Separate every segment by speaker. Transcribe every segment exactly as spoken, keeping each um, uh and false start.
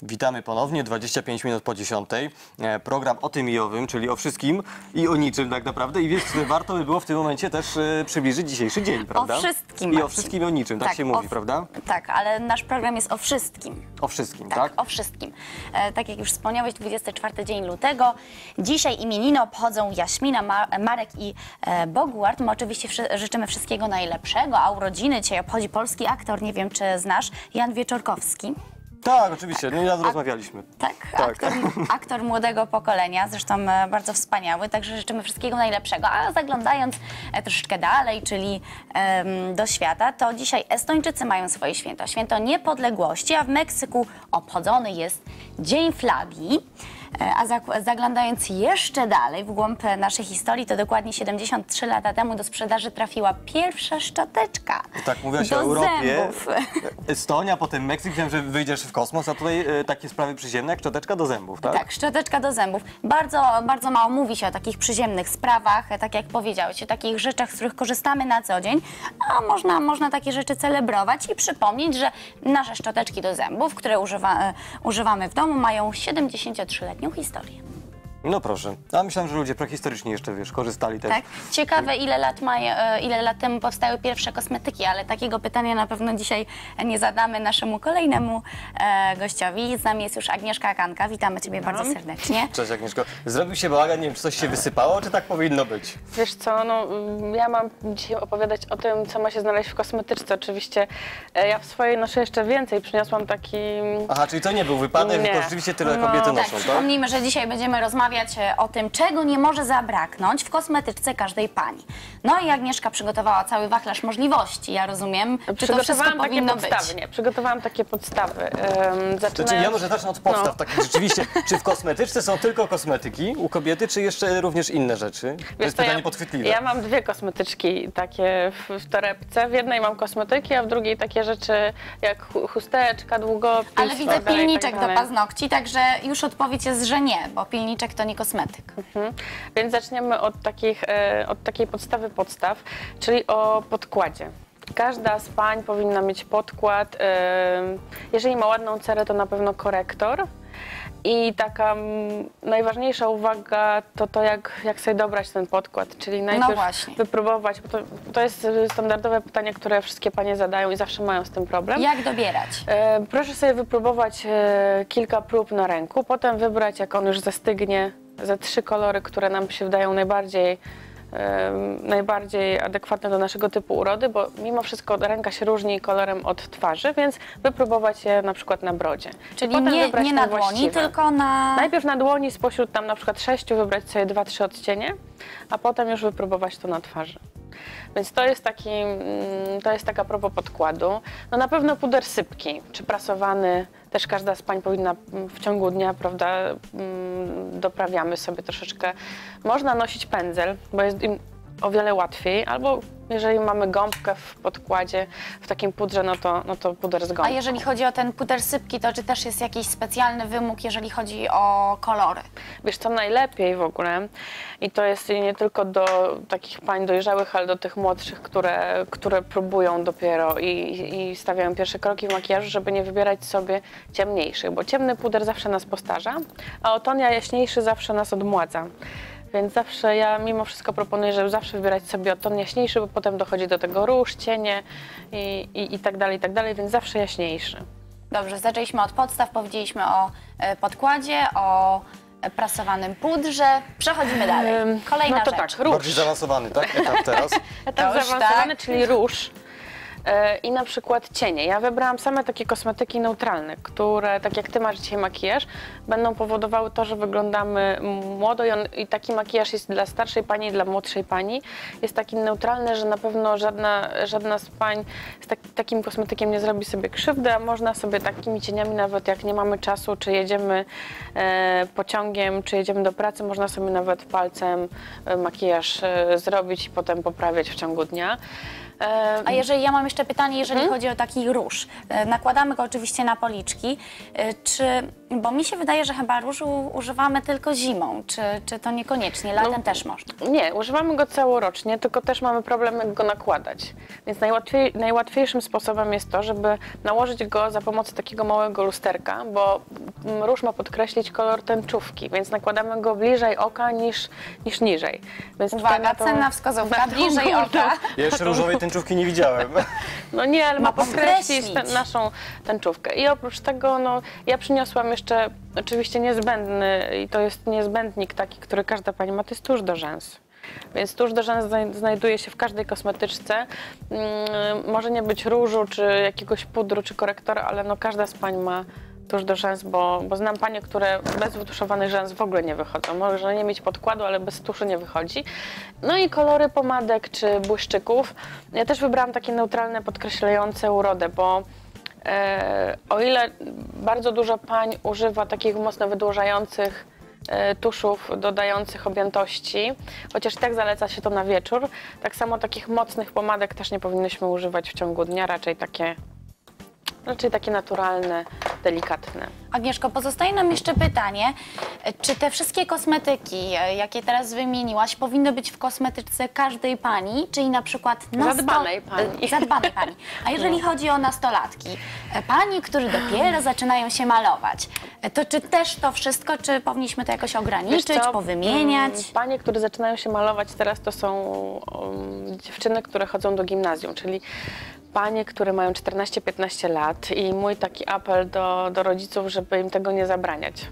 Speaker 1: Witamy ponownie, dwadzieścia pięć minut po dziesiątej. Program o tym i owym, czyli o wszystkim i o niczym tak naprawdę. I wiesz, warto by było w tym momencie też e, przybliżyć dzisiejszy dzień, prawda?
Speaker 2: O wszystkim,
Speaker 1: I
Speaker 2: Marcin.
Speaker 1: o wszystkim i o niczym, tak,
Speaker 2: tak
Speaker 1: się
Speaker 2: o,
Speaker 1: mówi, prawda?
Speaker 2: Tak, ale nasz program jest o wszystkim.
Speaker 1: O wszystkim,
Speaker 2: tak?
Speaker 1: tak?
Speaker 2: O wszystkim. E, tak jak już wspomniałeś, dwudziesty czwarty dzień lutego. Dzisiaj imieniny obchodzą Jaśmina, Ma Marek i e, Boguart. My oczywiście wszy życzymy wszystkiego najlepszego, a urodziny dzisiaj obchodzi polski aktor, nie wiem czy znasz, Jan Wieczorkowski.
Speaker 1: Tak, oczywiście, no nieraz rozmawialiśmy.
Speaker 2: Tak,
Speaker 1: Tak.
Speaker 2: Aktor, aktor młodego pokolenia, zresztą e, bardzo wspaniały, także życzymy wszystkiego najlepszego. A zaglądając e, troszeczkę dalej, czyli em, do świata, to dzisiaj Estończycy mają swoje święto, święto niepodległości, a w Meksyku obchodzony jest Dzień Flagi. E, A zag- zaglądając jeszcze dalej w głąb naszej historii, to dokładnie siedemdziesiąt trzy lata temu do sprzedaży trafiła pierwsza szczoteczka
Speaker 1: Tak mówiłaś
Speaker 2: do
Speaker 1: o Europie,
Speaker 2: zębów.
Speaker 1: Estonia, potem Meksyk, wiem, że wyjdziesz w kosmos, a tutaj e, takie sprawy przyziemne jak szczoteczka do zębów, tak?
Speaker 2: Tak, szczoteczka do zębów. Bardzo, bardzo mało mówi się o takich przyziemnych sprawach, tak jak powiedziałeś, o takich rzeczach, z których korzystamy na co dzień, a można, można takie rzeczy celebrować i przypomnieć, że nasze szczoteczki do zębów, które używa, e, używamy w domu, mają siedemdziesięciotrzyletnią historię.
Speaker 1: No proszę, a myślałem, że ludzie prehistorycznie jeszcze, wiesz, korzystali też.
Speaker 2: Tak? Ciekawe, ile lat, ma, e, ile lat temu powstały pierwsze kosmetyki, ale takiego pytania na pewno dzisiaj nie zadamy naszemu kolejnemu e, gościowi. Z nami jest już Agnieszka Kanka. Witamy Ciebie bardzo serdecznie.
Speaker 1: Cześć Agnieszko. Zrobił się bałagan, nie wiem, czy coś się wysypało, czy tak powinno być?
Speaker 3: Wiesz co, no ja mam dzisiaj opowiadać o tym, co ma się znaleźć w kosmetyczce. Oczywiście e, ja w swojej noszę jeszcze więcej. Przyniosłam taki...
Speaker 1: Aha, czyli to nie był wypadek,
Speaker 3: Nie.
Speaker 1: tylko rzeczywiście tyle
Speaker 3: No.
Speaker 1: kobiety
Speaker 2: Tak,
Speaker 1: noszą, tak?
Speaker 2: przypomnijmy, że dzisiaj będziemy rozmawiać e, o tym, czego nie może zabraknąć w kosmetyczce każdej pani. No i Agnieszka przygotowała cały wachlarz możliwości, ja rozumiem. Czy to wszystko
Speaker 3: Przygotowałam takie
Speaker 2: powinno
Speaker 3: podstawy,
Speaker 2: być?
Speaker 3: nie, przygotowałam takie podstawy. Um,
Speaker 1: Znaczy, ja może zacznę od podstaw.
Speaker 3: No.
Speaker 1: Takich rzeczywiście, czy w kosmetyczce są tylko kosmetyki u kobiety, czy jeszcze również inne rzeczy? To
Speaker 3: Wiesz
Speaker 1: jest
Speaker 3: co,
Speaker 1: pytanie
Speaker 3: ja,
Speaker 1: podchwytliwe.
Speaker 3: Ja mam dwie kosmetyczki takie w, w torebce. W jednej mam kosmetyki, a w drugiej takie rzeczy jak chu- chusteczka, długopis.
Speaker 2: Ale
Speaker 3: tak
Speaker 2: widzę
Speaker 3: dalej,
Speaker 2: pilniczek
Speaker 3: tak
Speaker 2: do
Speaker 3: dalej.
Speaker 2: paznokci, także już odpowiedź jest, że nie, bo pilniczek to nie kosmetyk.
Speaker 3: Mhm. Więc zaczniemy od, takich, e, od takiej podstawy podstaw, czyli o podkładzie. Każda z pań powinna mieć podkład. E, jeżeli ma ładną cerę, to na pewno korektor. I taka mm, najważniejsza uwaga to to, jak, jak sobie dobrać ten podkład, czyli najpierw
Speaker 2: właśnie.
Speaker 3: wypróbować, bo to, to jest standardowe pytanie, które wszystkie panie zadają i zawsze mają z tym problem.
Speaker 2: Jak dobierać?
Speaker 3: E, proszę sobie wypróbować e, kilka prób na ręku, potem wybrać, jak on już zastygnie, ze trzy kolory, które nam się wydają najbardziej, e, najbardziej adekwatne do naszego typu urody, bo mimo wszystko ręka się różni kolorem od twarzy, więc wypróbować je na przykład na brodzie.
Speaker 2: Czyli
Speaker 3: Potem
Speaker 2: nie,
Speaker 3: wybrać
Speaker 2: nie
Speaker 3: te
Speaker 2: na dłoni,
Speaker 3: właściwe.
Speaker 2: tylko na...
Speaker 3: Najpierw na dłoni spośród tam na przykład sześciu wybrać sobie dwa, trzy odcienie, a potem już wypróbować to na twarzy. Więc to jest, taki, mm, to jest taka propos podkładu. No na pewno puder sypki, czy prasowany, też każda z pań powinna mm, w ciągu dnia, prawda, mm, doprawiamy sobie troszeczkę. Można nosić pędzel, bo jest im o wiele łatwiej, albo jeżeli mamy gąbkę w podkładzie, w takim pudrze, no to, no to puder z gąbką.
Speaker 2: A jeżeli chodzi o ten puder sypki, to czy też jest jakiś specjalny wymóg, jeżeli chodzi o kolory?
Speaker 3: Wiesz co, najlepiej w ogóle, i to jest nie tylko do takich pań dojrzałych, ale do tych młodszych, które, które próbują dopiero i, i stawiają pierwsze kroki w makijażu, żeby nie wybierać sobie ciemniejszych, bo ciemny puder zawsze nas postarza, a o ton jaśniejszy zawsze nas odmładza. Więc zawsze ja mimo wszystko proponuję, żeby zawsze wybierać sobie o ton jaśniejszy, bo potem dochodzi do tego róż, cienie i, i, i tak dalej, i tak dalej, więc zawsze jaśniejszy.
Speaker 2: Dobrze, zaczęliśmy od podstaw, powiedzieliśmy o e, podkładzie, o e, prasowanym pudrze. Przechodzimy dalej. Kolejna
Speaker 3: no to
Speaker 2: rzecz.
Speaker 3: tak, róż.
Speaker 1: Bardziej zaawansowany, tak? Etap teraz.
Speaker 3: Etap
Speaker 2: Róż,
Speaker 3: zaawansowany,
Speaker 2: tak.
Speaker 3: czyli róż. E, I na przykład cienie. Ja wybrałam same takie kosmetyki neutralne, które, tak jak ty masz dzisiaj makijaż, będą powodowały to, że wyglądamy młodo i, on, i taki makijaż jest dla starszej pani i dla młodszej pani. Jest taki neutralny, że na pewno żadna, żadna z pań z tak, takim kosmetykiem nie zrobi sobie krzywdy, a można sobie takimi cieniami, nawet jak nie mamy czasu, czy jedziemy e, pociągiem, czy jedziemy do pracy, można sobie nawet palcem e, makijaż e, zrobić i potem poprawiać w ciągu dnia. E,
Speaker 2: A jeżeli ja mam jeszcze pytanie, jeżeli chodzi o taki róż. E, Nakładamy go oczywiście na policzki. E, Czy, bo mi się wydaje, że chyba różu używamy tylko zimą. Czy, czy to niekoniecznie? Latem
Speaker 3: No,
Speaker 2: też można.
Speaker 3: Nie, używamy go całorocznie, tylko też mamy problem, jak go nakładać. Więc najłatwiej, najłatwiejszym sposobem jest to, żeby nałożyć go za pomocą takiego małego lusterka, bo mm, róż ma podkreślić kolor tęczówki, więc nakładamy go bliżej oka niż, niż niżej. Więc tutaj
Speaker 2: Uwaga,
Speaker 3: tą-
Speaker 2: cenna wskazówka,
Speaker 3: na tą
Speaker 2: bliżej
Speaker 3: górną-
Speaker 2: oka.
Speaker 1: Ja jeszcze różowej tęczówki nie widziałem.
Speaker 3: No nie, ale ma
Speaker 2: Ma
Speaker 3: podkreślić
Speaker 2: podkreślić.
Speaker 3: tę- naszą tęczówkę. I oprócz tego, no, ja przyniosłam jeszcze oczywiście niezbędny, i to jest niezbędnik taki, który każda pani ma, to jest tusz do rzęs. Więc tusz do rzęs znaj- znajduje się w każdej kosmetyczce. Mm, może nie być różu, czy jakiegoś pudru, czy korektora, ale no każda z pań ma tusz do rzęs, bo, bo znam panie, które bez wytuszowanych rzęs w ogóle nie wychodzą. Może nie mieć podkładu, ale bez tuszu nie wychodzi. No i kolory pomadek czy błyszczyków. Ja też wybrałam takie neutralne, podkreślające urodę, bo e, o ile bardzo dużo pań używa takich mocno wydłużających e, tuszów dodających objętości, chociaż tak zaleca się to na wieczór, tak samo takich mocnych pomadek też nie powinnyśmy używać w ciągu dnia, raczej takie Raczej takie naturalne, delikatne.
Speaker 2: Agnieszko, pozostaje nam jeszcze pytanie, czy te wszystkie kosmetyki, e, jakie teraz wymieniłaś, powinny być w kosmetyczce każdej pani, czyli na przykład nasto-
Speaker 3: Zadbanej pani.
Speaker 2: e, Zadbanej pani. A jeżeli chodzi o nastolatki, e, pani, które dopiero zaczynają się malować, e, to czy też to wszystko, czy powinniśmy to jakoś ograniczyć,
Speaker 3: Wiesz co,
Speaker 2: powymieniać?
Speaker 3: mm, Panie, które zaczynają się malować teraz, to są um, dziewczyny, które chodzą do gimnazjum, czyli panie, które mają czternaście piętnaście lat i mój taki apel do, do rodziców, żeby im tego nie zabraniać.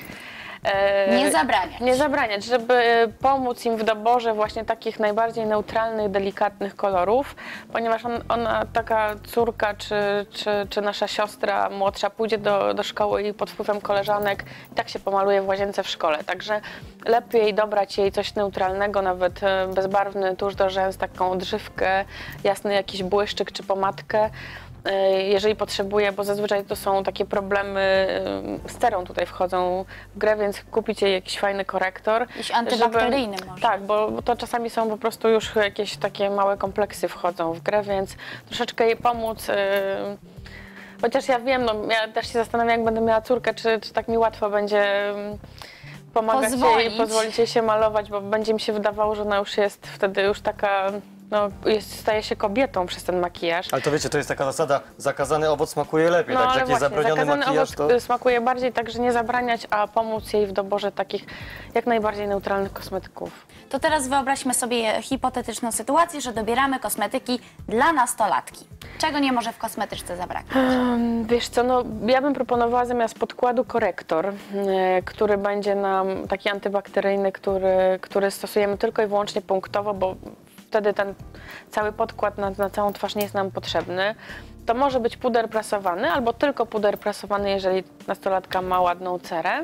Speaker 3: E,
Speaker 2: Nie zabraniać.
Speaker 3: Nie zabraniać, żeby pomóc im w doborze właśnie takich najbardziej neutralnych, delikatnych kolorów, ponieważ on, ona, taka córka czy, czy, czy nasza siostra młodsza pójdzie do, do szkoły i pod wpływem koleżanek i tak się pomaluje w łazience w szkole. Także lepiej dobrać jej coś neutralnego, nawet e, bezbarwny tusz do rzęs, taką odżywkę, jasny jakiś błyszczyk czy pomadkę, jeżeli potrzebuje, bo zazwyczaj to są takie problemy z cerą tutaj wchodzą w grę, więc kupić jej jakiś fajny korektor.
Speaker 2: Jakiś antybakteryjny może.
Speaker 3: Tak, bo bo to czasami są po prostu już jakieś takie małe kompleksy wchodzą w grę, więc troszeczkę jej pomóc. y, Chociaż ja wiem, no ja też się zastanawiam, jak będę miała córkę, czy, czy tak mi łatwo będzie ym, pomagać jej,
Speaker 2: Pozwolić.
Speaker 3: pozwolić jej się malować, bo będzie mi się wydawało, że ona już jest wtedy już taka, no jest, staje się kobietą przez ten makijaż.
Speaker 1: Ale to wiecie, to jest taka zasada, zakazany owoc smakuje lepiej,
Speaker 3: No
Speaker 1: także
Speaker 3: ale
Speaker 1: jak jest
Speaker 3: właśnie,
Speaker 1: zabroniony
Speaker 3: zakazany
Speaker 1: makijaż,
Speaker 3: owoc
Speaker 1: to...
Speaker 3: smakuje bardziej, także nie zabraniać, a pomóc jej w doborze takich jak najbardziej neutralnych kosmetyków.
Speaker 2: To teraz wyobraźmy sobie hipotetyczną sytuację, że dobieramy kosmetyki dla nastolatki. Czego nie może w kosmetyczce zabraknąć?
Speaker 3: Um, Wiesz co, no ja bym proponowała zamiast podkładu korektor, e, który będzie nam taki antybakteryjny, który, który stosujemy tylko i wyłącznie punktowo, bo wtedy ten cały podkład na, na całą twarz nie jest nam potrzebny. To może być puder prasowany albo tylko puder prasowany, jeżeli nastolatka ma ładną cerę.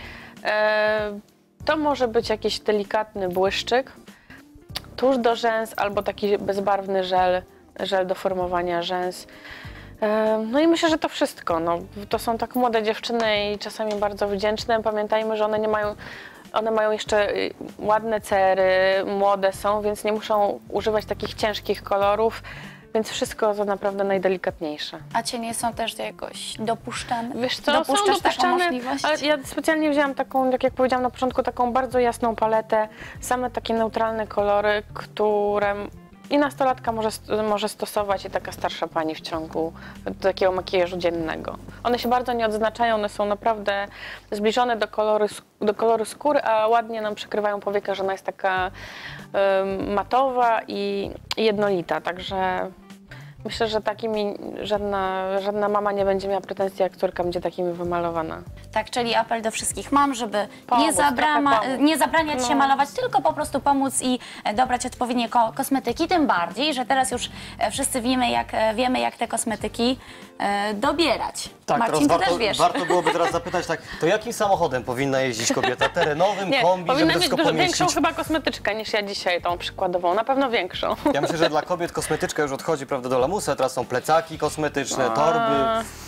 Speaker 3: E, to może być jakiś delikatny błyszczyk, tusz do rzęs albo taki bezbarwny żel, żel do formowania rzęs. E, No i myślę, że to wszystko. No, to są tak młode dziewczyny i czasami bardzo wdzięczne. Pamiętajmy, że one nie mają, one mają jeszcze y, ładne cery, młode są, więc nie muszą używać takich ciężkich kolorów, więc wszystko to naprawdę najdelikatniejsze.
Speaker 2: A cienie są też jakoś dopuszczane?
Speaker 3: Wiesz co,
Speaker 2: Dopuszczasz
Speaker 3: są
Speaker 2: taką
Speaker 3: dopuszczane,
Speaker 2: możliwość?
Speaker 3: ale ja specjalnie wzięłam taką, tak jak powiedziałam na początku, taką bardzo jasną paletę, same takie neutralne kolory, które i nastolatka może, może stosować i taka starsza pani w ciągu takiego makijażu dziennego. One się bardzo nie odznaczają, one są naprawdę zbliżone do koloru, do koloru skóry, a ładnie nam przykrywają powieka, że ona jest taka um, matowa i, i jednolita, także myślę, że takimi żadna, żadna mama nie będzie miała pretensji, jak córka będzie takimi wymalowana.
Speaker 2: Tak, czyli apel do wszystkich mam, żeby
Speaker 3: Pomóc,
Speaker 2: nie, zabrama,
Speaker 3: trochę pomóc.
Speaker 2: nie zabraniać się
Speaker 3: No.
Speaker 2: malować, tylko po prostu pomóc i e, dobrać odpowiednie ko kosmetyki, tym bardziej, że teraz już e, wszyscy wiemy, jak, e, wiemy, jak te kosmetyki e, dobierać.
Speaker 1: Tak,
Speaker 2: Marcin,
Speaker 1: teraz
Speaker 2: ty
Speaker 1: warto,
Speaker 2: też wiesz.
Speaker 1: warto byłoby teraz zapytać, tak, to jakim samochodem powinna jeździć kobieta? Terenowym,
Speaker 3: Nie,
Speaker 1: kombi, żeby
Speaker 3: powinna
Speaker 1: to
Speaker 3: mieć
Speaker 1: wszystko
Speaker 3: dużo
Speaker 1: pomieścić?
Speaker 3: większą chyba kosmetyczkę niż ja dzisiaj tą przykładową, na pewno większą.
Speaker 1: Ja myślę, że dla kobiet kosmetyczka już odchodzi, prawda, do lamusa, teraz są plecaki kosmetyczne, torby.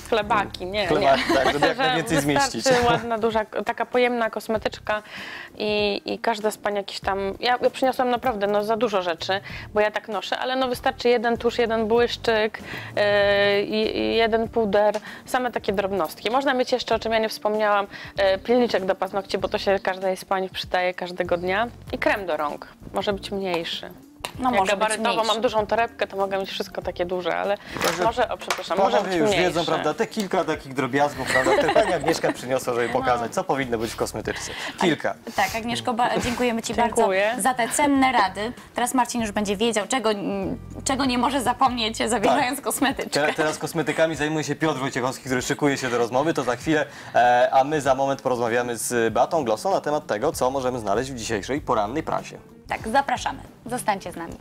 Speaker 3: chlebaki, nie,
Speaker 1: Chleba,
Speaker 3: nie.
Speaker 1: tak, żeby jak
Speaker 3: Że
Speaker 1: najwięcej zmieścić.
Speaker 3: wystarczy ładna, duża, taka pojemna kosmetyczka i, i każda z pań jakiś tam... Ja, ja przyniosłam naprawdę no, za dużo rzeczy, bo ja tak noszę, ale no wystarczy jeden tusz, jeden błyszczyk, yy, i, i jeden puder, same takie drobnostki. Można mieć jeszcze, o czym ja nie wspomniałam, yy, pilniczek do paznokci, bo to się każdej z pań przydaje każdego dnia i krem do rąk. Może być mniejszy.
Speaker 2: No,
Speaker 3: Jak
Speaker 2: może być
Speaker 3: gabarytowo
Speaker 2: mniejszy.
Speaker 3: mam dużą torebkę, to mogę mieć wszystko takie duże, ale może, o przepraszam, może być
Speaker 1: Panowie już
Speaker 3: mniejsze.
Speaker 1: wiedzą, prawda, te kilka takich drobiazgów, prawda, które pani Agnieszka przyniosła, żeby pokazać, co powinno być w kosmetyczce. Kilka.
Speaker 2: Tak, Agnieszko, ba- dziękujemy Ci
Speaker 3: Dziękuję.
Speaker 2: bardzo za te cenne rady. Teraz Marcin już będzie wiedział, czego, czego nie może zapomnieć, zabierając
Speaker 1: Tak.
Speaker 2: kosmetyczkę.
Speaker 1: Teraz, teraz kosmetykami zajmuje się Piotr Wojciechowski, który szykuje się do rozmowy, to za chwilę, e, a my za moment porozmawiamy z Beatą Glossą na temat tego, co możemy znaleźć w dzisiejszej porannej prasie.
Speaker 2: Tak, zapraszamy. Zostańcie z nami.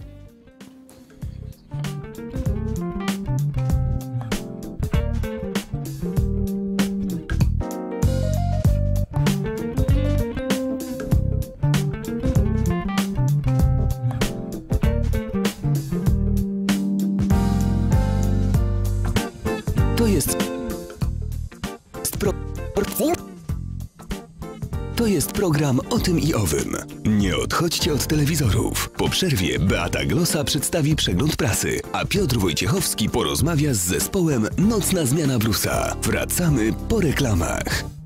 Speaker 4: To jest... Pro... To jest program o tym i owym. Nie odchodźcie od telewizorów. Po przerwie Beata Glossa przedstawi przegląd prasy, a Piotr Wojciechowski porozmawia z zespołem Nocna Zmiana Brusa. Wracamy po reklamach.